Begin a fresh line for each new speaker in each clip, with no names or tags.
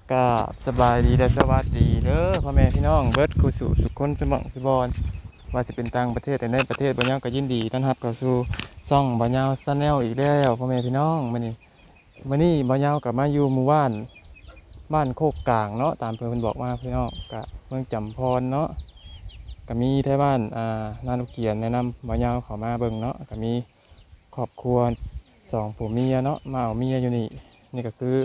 ก็สบายดีและสวัสดีเด้อพ่อแม่พี่น้องเบิร์ดกูสู่สุขคนสมองสุบอลว่าจะเป็นต่างประเทศแต่ในประเทศบ่ยาวก็ยินดีต้อนรับเข้าสู่ซ่องบ่ยาวซาแนลอีกแล้วพ่อแม่พี่น้องมื้อนี้บ่ยาวก็มาอยู่หมู่บ้านโคกกลางเนาะตามเพิ่นบอกมาพี่น้องก็เมืองจำพรเนาะก็มีไทบ้านนาลูกเขียนแนะนำบ่ยาวเข้ามาเบิ่งเนาะก็มีครอบครัวสองผัวเมียเนาะมาเอาเมียอยู่นี่ก็คือ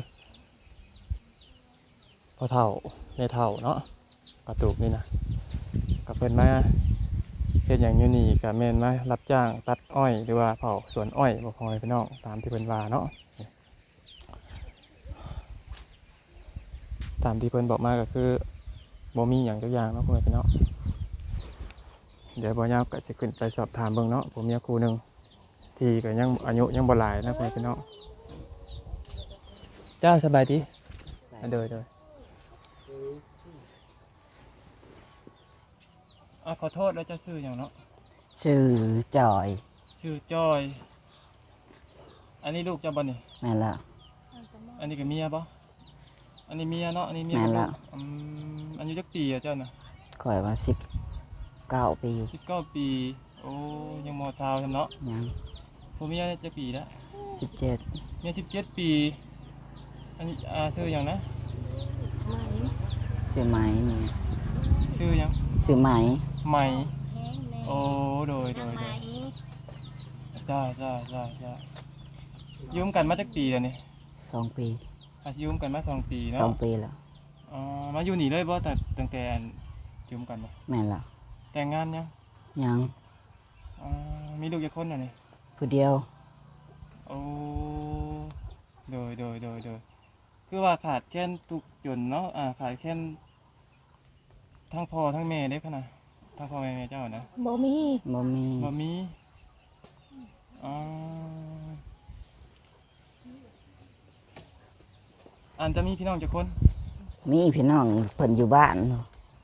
พ่อเฒ่าแม่เฒ่าเนาะกระตูกนี่นะก็เพิ่นมาเฮ็ดหยังอยู่นี่ก็แม่นมารับจ้างตัดอ้อยหรือว่าเผาสวนอ้อยบ่พอให้พี่น้องตามที่เพิ่นว่าเนาะตามที่เพิ่นบอกมาก็คือบ่มีหยังจักอย่างเนาะพ่อแม่พี่น้องเดี๋ยวบ่ยาวก็สิขึ้นไปสอบถามเบิ่งเนาะผมมีครูหนึงที่ก็ยังอายุยังบ่หลายนะพ่อแม่พี่น้องจ้าสบายดีเด้อขอโทษแล้วจะซื้ออย่างเนาะ
ชื่อจอย
ชื่อจอย อันนี้ลูกเจ้าบ่นี่
แม่นแล้ว
อันนี้ก็เมียบ่อันนี้เมียเนาะ อันนี้เมีย
แม่นแล้ว
อายุจักปีอะเจ้าน่ะ
ข่อยว่า19 ปี
19 ปี โอ้ยังมอชาวทำเนาะ
ยัง
ผู้เมียจักปีแล้ว
17
เมีย17 ปี อันนี้ชื่ออย่างนะ
ซื้อไหมนี่
ชื่อหยัง
ซื้อไหม
ใหม่โอ้โดยจ้ายุ่มกันมาจักปีแล้วนี่
2 ปี
ยุ่มกันมา2 ปีเนาะ
2 ปีแล้ว
มาอยู่นี่เลยบ่แต่ตั้งแต่ยุ่มกันบ่
แม่นแล้ว
แต่งงานยัง
ยัง
มีลูกกี่คนน่ะนี่
ผู้เดียว
โอ้โดยคือว่าขาดแค่นทุกจนเนาะขาดแค่นทั้งพ่อทั้งแม่ได้ขนาดทั้งพ่อแม่เจ้านะ
บ่มี
บ่มี
บ่มีอันจะมีพี่น้องกี่คน
มีพี่น้องเพิ่นอยู่บ้านเนาะ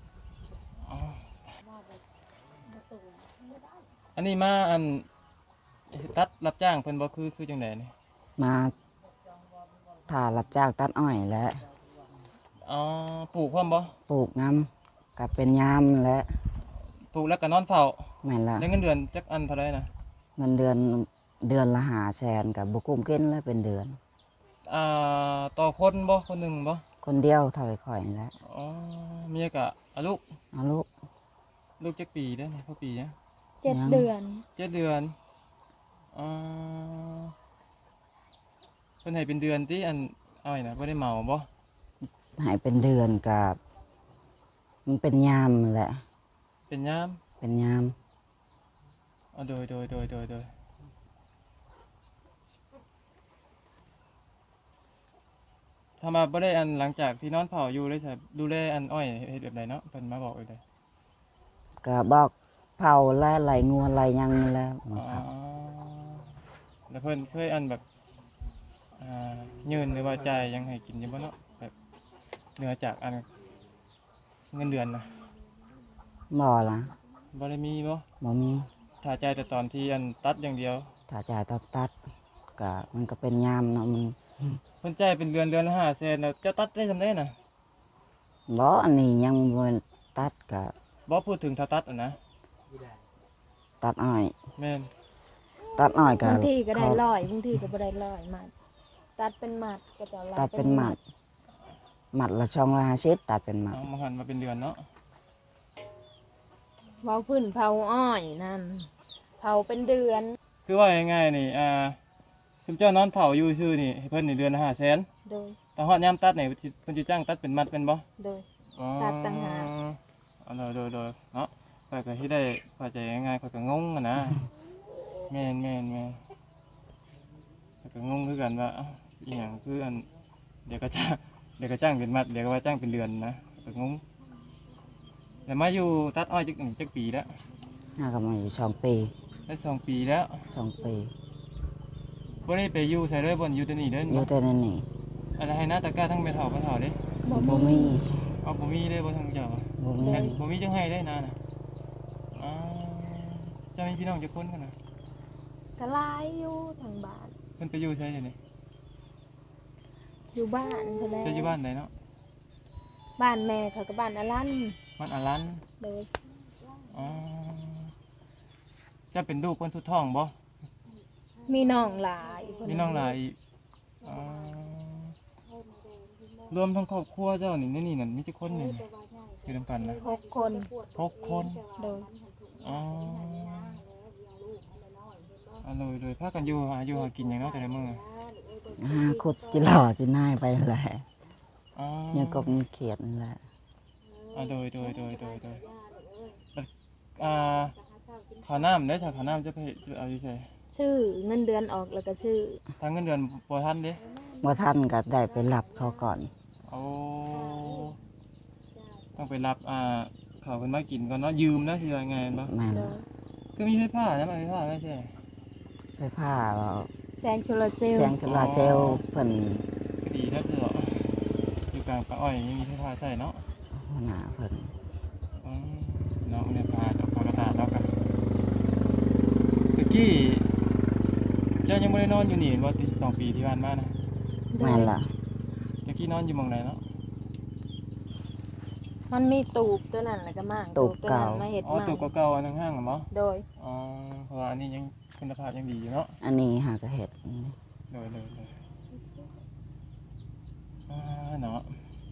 อันนี้มาตัดรับจ้างเพิ่นบ่คือจังไดนี่
มาถ้ารับจ้างตัดอ้อยและ
ปลูกพร้อมบ่
ปลูกน้ำกับเป็นยามและ
ปลูกแล้วก็นอนเฝ้า
แม่นแล้ว
ได้เงินเดือนจักอันเท่าไหร่นะ
เงินเดือนละ500,000กับบ่กุ้มเกินแล้วเป็นเดือน
ต่อคนบ่คนหนึงบ่
คนเดียวเท่าข่อยนี่แหละ
เมียก็ลูก
เอาลูก
จักปีเด้อนี่พ่อปีนะ
7 เดือน
7 เดือนเพิ่นให้เป็นเดือนติเอาไว้นะบ่ได้เหมาบ่
ให้เป็นเดือนกับมันเป็นยามแหละ
เป็นยาม
เป็นยาม
โดยถ้ามาบ่ได้หลังจากที่นอนเผาอยู่เลยใช่ดูแลอ้อยเฮ็ดแบบใดเนาะเพิ่นมาบอกเลยได้
ก็บอกเผาและไหลงัวไหลหยังนี่แหล้ว
แล้วเพิ่นเคยแบบยืนหรือว่าจ่ายยังให้กินอยู่บ่เนาะแบบเหนือจากเงินเดือนนะ
บ่ล่ะ
บ่ได้มีบ่
บ่มี
ถ้าจ่ายแต่ตอนที่ตัดอย่างเดียว
ถ้าจ่ายตัดก็มันก็เป็นยามเนาะมัน
เพิ่นจ่ายเป็นเดือนละ500,000แล้วเจ้าตัดได้ซำได้น่ะ
บ่อันนี้ยังบ่ตัดก็
บ่พูดถึงถ้าตัดนะ
ตัดอ้อย
แม่น
ตัดอ้อยก็
บางทีก็ได้ร้อยบางทีก็บ่ได้ร้อยมัดตัดเป็นมัดก็จะ
ตัดเป็นหมัดละ250ตัดเป็นหมัด
เอามาหันมาเป็นเดือนเนาะ
เผาพื้นเผาอ้อยนั่นเผาเป็นเดือน
คือว่าง่ายๆนี่คุณเจ้านอนเผาอยู่ซื่อนี่ให้เพิ่นนี่เดือนละ500,000
โดย
แต่ฮอดยามตัดนี่เพิ่นสิจ้างตัดเป็นมัดเป็นบ่
โดย ตัดต่างหาก
โดยเนาะข้อยก็ที่ได้เข้าใจง่ายๆข้อยก็งงอะนะแม่นข้อยก็งงคือกันว่าอีหยังคือเดี๋ยวก็จ้างเป็นมัดเดี๋ยวก็ว่าจ้างเป็นเดือนนะข้อยก็งงแล้วมาอยู่ตัดอ้อยจักปีแล้ว
น่าก็มาอยู่2 ปี
ได้2 ปีแล้ว
2 ปี
บ่ได้ไปอยู่ไสเลยบ่อยู่แต่นี่เด้อ
อยู่แต่นั่นนี่
อะไรให้หน้าตะกร้าทั้งเม็ดเฒ่าบ่เฒ่าเด้
บ่
บ่
มี
มี
เอาบ่มีเลยบ่ทั้งเจ้า
บ่มี
บ่มีจังให้ได้นะเจ้ามีพี่น้องจักคนกันน่ะ
ก็หลายอยู่ทางบ้าน
เพิ่นไปอยู่ไสเดี๋ยวนี้
อยู่บ้านเพิ่นแหละ
เจ้าอยู่บ้านไหนเนาะ
บ้านแม่เขาก็บ้านอลัน
มันอารัน
โดย
อ๋อจะเป็นลูกคนสุดท้องบ่
มีน้องหลาย
มีน้องหลายอีกอ๋อรวมทั้งครอบครัวเจ้านี่นี่นั่นมีจักคนนี่อยู่นำกันนะ
6 คน
6 คน
โดย
อ๋ออร่อยเลยพากันอยู่หากินอย่างเนาะแต่ละมื้อ
หาขุดจิหล่อจิน่ายไปแหละ
อ๋อ
เนี่ยกบเนี่ยเขียดนั่นแหละ
โดยอ่าข้าวน้ำได้อถ้าข้าวน้ำจะไปเอาอยู่ไส
ชื่อเงินเดือนออกแล้วก็ชื่อ
ทางเงินเดือนบ่ทันเด้
เมื่อท่านก็ได้ไปรับเขาก่อน
เอาต้องไปรับข้าวเพิ่นมากินก่อนเนาะยืมนะสิว่าไงบ่
แม่น
โดย
คือมีไฟฟ้านะไฟฟ้าไม่ใช่
ไฟผ้าเรา
แสงโซลาร์เซล
แส
ล์
งโซลาร์เซลล์เพิ่น
ก็ดีถ้าคืออยู่กลางป่าอ้อยยังมีไฟฟ้าใช่เนาะ
หัวหน้าเพิ่น
อืมเนาะเนี่ยพาดอกกระตาเนาะกันตะกี้เจ้ายังไม่ได้นอนอยู่นี่ว่าติด2 ปีที่ผ่านมานะ
แม่นล่ะ
ตะกี้นอนอยู่หม่องไหนเนาะ
มันมีตูบตัวนั้นแล้วก็มากตัวนั้นมาเฮ็ด
อ๋อ
ใหม่
ตัวเก่าๆอันห้างๆเหรอเนาะ
โดย
อ๋อเพราะว่าอันนี้ยังคุณภาพยังดีอยู่เนาะ
อันนี้หากระเห็ด
เลยเนาะ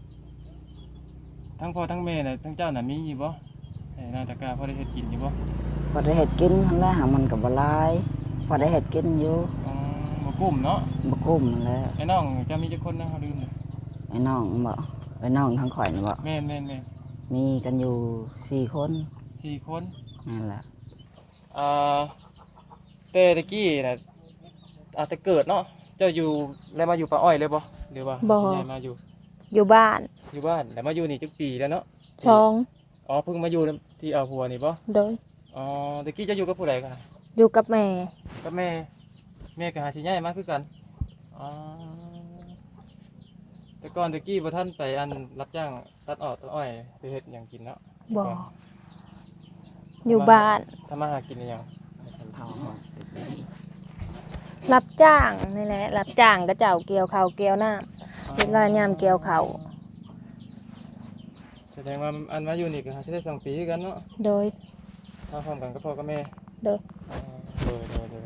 ทั้งพ่อทั้งแม่น่ะทั้งเจ้าน่ะมีอยู่บ่นาตะกาพอได้เฮ็ดกินอยู่บ่
พอได้เห็ดกินทั้งแรกหามันกับบหลายพอได้เห็ดกินอยู่
อ๋อบ่กุ้มเนาะ
บ่กุ้มนั่นแหล้ว
ไอ้น้องจะมีจักคนนะเขาลืมเลย
ไอ้น้องบ่ไอ้น้องทั้งข่อยนี่บ่
แม่น
มีกันอยู่4 คน
4 คน
นั่นแหละ
แต่ตะกี้น่ะอาจจะเกิดเนาะเจ้าอยู่แล้วมาอยู่ป่าอ้อยเลยบ่หรือว่าสิย้ายมาอยู่
อยู่บ้าน
บ้านแล้วมาอยู่นี่จักปีแล้วเนาะ
ช่อง
อ๋อเพิ่งมาอยู่ที่เอาหัวนี่บ่
โดย
อ๋อตะกี้จะอยู่กับผู้ใดกัน
อยู่กับแม่
กับแม่ก็หาสิย้ายมาคือกันอ๋อแต่ก่อนตะกี้บ่ทันไปอันรับจ้างตัดอ้อยไปเฮ็ดหยังกินเนาะ
บ่อยู่บ้าน
ทำมาหากินหยัง
เผา
รับจ้างนี่แหละรับจ้างก็เจ้าเกี่ยวข้าวเกี่ยวน้ำเวลายามเกี่ยวข้าว
แสดงว่าอันมาอยู่นี่ก็หาสิได้2 ปีคือกันเนาะ
โดย
มาพร้อมกันกับพ่อกับแม่
โดย
โดย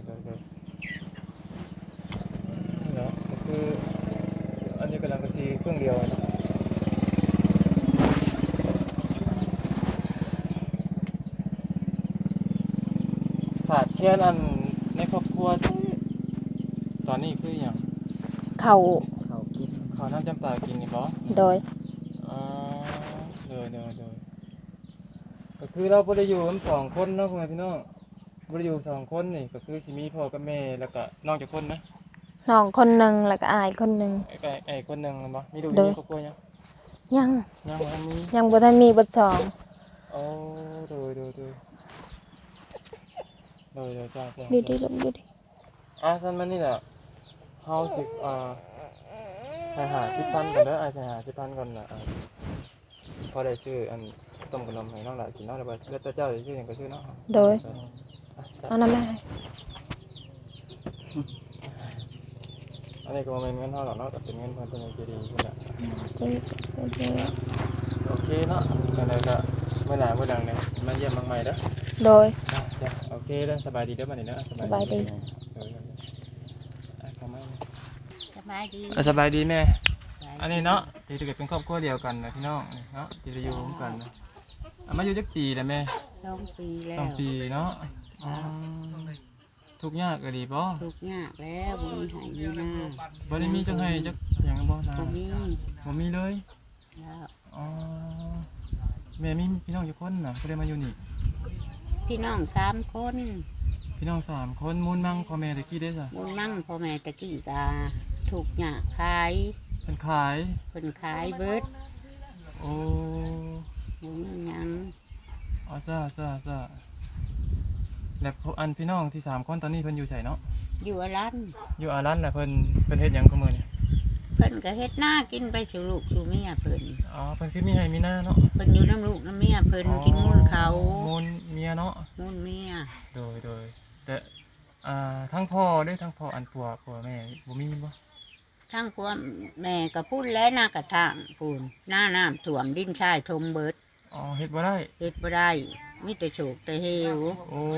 เนาะก็คืออันนี้กำลังกระซีเครื่องเดียวเนาะขาดแค่อันในครอบครัวตอนนี้คืออย่าง
ข้าว
เขากิน
ข้าวน้ำจำปากินนี่บ่
โดย
อ๋อโดยก็คือเราบ่ได้อยู่กัน2 คนเนาะพ่อแม่พี่น้องบ่ได้อยู่2 คนนี่ก็คือสิมีพ่อกับแม่แล้วก็น้องจักคนนะ
น้องคนหนึงแล้วก็อายคนหนึง
ไอ้คนหนึงบ่มีลูกอ
โด
ยู่
ย
ในครอบครัวยัง
ยัง
ยังบ่ทันมี
ยังบ่ทันมีเบัดสอง
โอ้โดยจ้า
อยู่ดีลงอยู่ดี
ท่านมันนี่แหละเฮาสิให้หา10,000ก่อนเด้อสิหา10,000ก่อนน่ะพอได้ซื้ออันต้มขนมให้น้องหลานกินเนาะแล้วแต่เจ้าสิซื้อหยังก็ซื้อเนาะ
โดยเอาน้ำแม่ให้
อันนี้ก็บ่แม่นเงินเฮาหรอกเนาะแต่เป็นเงินเพิ่นเป็นใจดีเพิ่นน่ะ
จริงจริง
โอเคเนาะจังไดก็เมื่อหน้าเมื่อหลังเนี่ยมาเยี่ยมบางใหม่เด้อ
โดย
จ้ะโอเคเด้อสบายดีเด้อบัดนี้เด้อ
สบายดี
เข้ามา
สบายดี
สบายดีแม่อันนี้เนาะที่จะเกิดเป็นครอบครัวเดียวกันนะพี่น้องเนาะที่จะอยู่ร่วมกันนะมาอยู่จักปีแล้วแม่
2 ปีแล้ว
2 ปีเนาะทุกข์ยากก็ดีบ่
ทุกข์ยากแล้วบ่มีให้มีหน้า
บ่ได้มีจังให้จักหยังบ่นา
บ่มี
บ่มีเลย
แล้ว
อ๋อแม่มีพี่น้องอยู่คนน่ะก็ได้มาอยู่นี่
พี่น้อง3 คน
พี่น้อง3 คนมูลมั่งพ่อแม่ตะกี้ได้จ้ะ
บุญมั่งพ่อแม่ตะกี้กาทุกข์ยากขาย
เพิ่นขาย
เพิ่นขายเบิด
โอ้
บ่มีหยัง
อ๋อจ้าแล้วอันพี่น้องที่3 คนตอนนี้เพิ่นอยู่ไสเนาะ
อยู่อรัน
อยู่อารันน่ะเพิ่นเฮ็ดหยังกับมื้อนี่
เพิ่นก็เฮ็ดหน้ากินไปสู่ลูกสู่เมียเพิ่น
อ๋อเพิ่นคือมีให้มีหน้าเนาะ
เพิ่นอยู่น้ำลูกน้ำเมียเพิ่นกินมูลเขา
มูลเมียเนาะ
มูลเมีย
โดยแต่ทั้งพ่อด้วยทั้งพ่ออันผัวแม่บ่มีบ่
ททั้งพวกแม่ก็พูดแล้วหน้ากระทางพูนหน้าน้ำท่วมดินชายทมเบิด
อ๋อเฮ็ดบ่ได้
เฮ็ดบ่ได้มีแต่โฉกแต่เหว
โอ้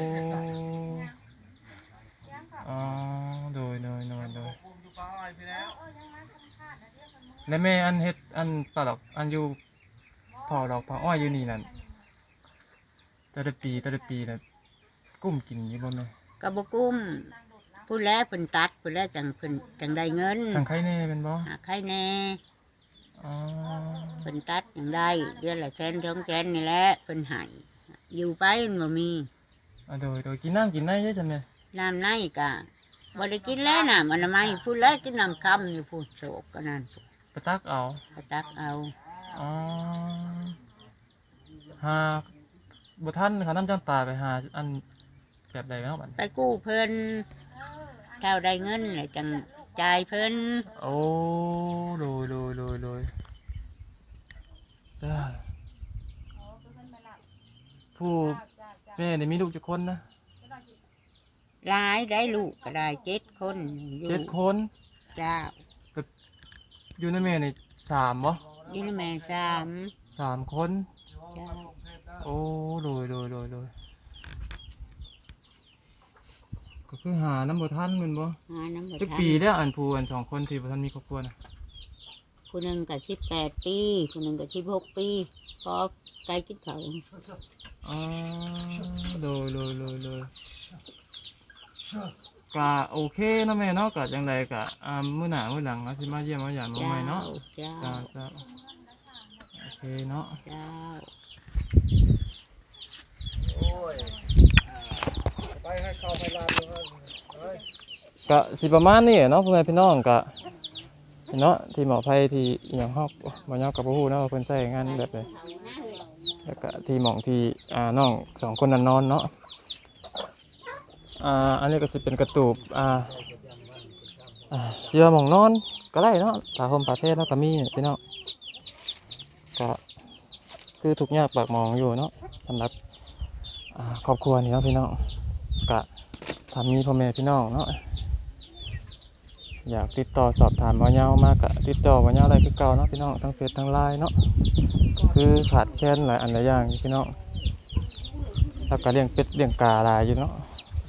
อ๋อโดยแล้วแม่อันเฮ็ดอันปลาดอกอันอยู่เผาดอกเผาอ้อยอยู่นี่นั่นแต่ละปีน่ะกุ้มกินอยู่บ่แม่
กระบกุ้มพูดแล้วเพิ่นตัดพูดแล้วจังเพิ่นจังได้เงิน
สังไข่แน่เป็นบ่
หาใครแน่
อ๋อ
เพิ่นตัดจังได้เดือนละแสน2แสนนี่แหละเพิ่นให้อยู่ไปมันบ่มี
โดยกินน้ำกินได้ใช่ไหม
น้ำในก็บ่ได้กินแล้วน้ำอนามัยพูดแล้วกินน้ำคำอยู่พูดโฉกก็นั่น
ไปตักเอา
ก็ตักเอา
อ๋อหาบ่ทันเขาน้ำจำปาไปหาอันแบบใดแล้วบัด
ไปกู้เพิ่นเท่าได้เงินแล้วจังจ่ายเพิ่น
โอ้โดยได้ผู้แม่นี่มีลูกจักคนนะ
หลายได้ลูกก็ได้7 คนอยู่
7 คน
เจ้า
อยู่ในแม่นี่3บ่
ยินแม่
3 คน
เจ้า
โอ้โดยก็คือหาน้ำบ่ทันแม่นบ่
หาน้ำบ่
จัก
ทัน
ปีแล้วอันผู้อัน2 คนที่บ่ทันมีครอบครัวน่ะ
ผู้หนึ่งก็18 ปีผู้หนึ่งก็16 ปีพอไกลกินเขาว
อ๋อโดยก็โอเคเนาะแม่เนาะก็จังไดก็มื้อหน้ามื้อหลังเราสิมาเยี่ยมมาหยามน้องใหม่เนาะ
เจ้า
จ้าโอเคเนาะ
เจ้า
ก็สิประมาณนี้เนาะพ่อแม่พี่น้องก็เนาะที่หมอไผที่อหยังฮอกบ่ยาวกับบ่ฮู้เนาะว่าเพิ่นใช้งานแบบใดแล้วก็ที่หม่องที่น้อง2 คนนั้นนอนเนาะอันนี้ก็สิเป็นกระตูบเสื้อหม่องนอนก็ได้เนาะผ้าห่มผ้าเพชรแล้วก็มีพี่น้องก็คือทุกข์ยากปากหมองอยู่เนาะสำหรับครอบครัวนี่เนาะพี่น้องก็ถ้ามีพ่อแม่พี่น้องเนาะอยากติดต่อสอบถามบ่ยาวมากก็ติดต่อบ่ยาวได้คือเก่าเนาะพี่น้องทั้งเฟซทั้งไลน์เนาะคือขาดแคลนหลายอันหลายอย่างอยู่พี่น้องแล้วก็เลี้ยงเป็ดเลี้ยงกาหลายอยู่เนาะ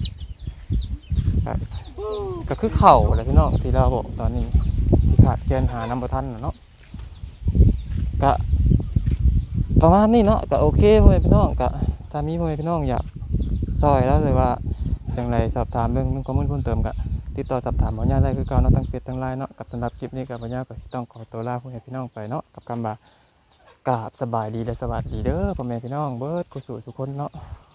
ก็คือเข่าแหละพี่น้องที่เราบอกตอนนี้ที่ขาดแคลนหาน้ำบ่ทันน่ะเนาะก็ประมาณนี้เนาะก็โอเคพ่อแม่พี่น้องก็ถ้ามีพ่อแม่พี่น้องอยากซอยแล้วเลยว่าจังไรสอบถามเรื่องข้อมูลเพิ่มเติมก็ติดต่อสอบถามบ่ยาวได้คือเก่าเนาะทั้งเฟซทั้งไลน์เนาะกับสำหรับคลิปนี้ก็บ่ยาวก็สิต้องขอตัวลาพ่อแม่พี่น้องไปเนาะกับคำว่ากราบสบายดีและสวัสดีเด้อพ่อแม่พี่น้องเบิดกุศลทุกคนเนาะ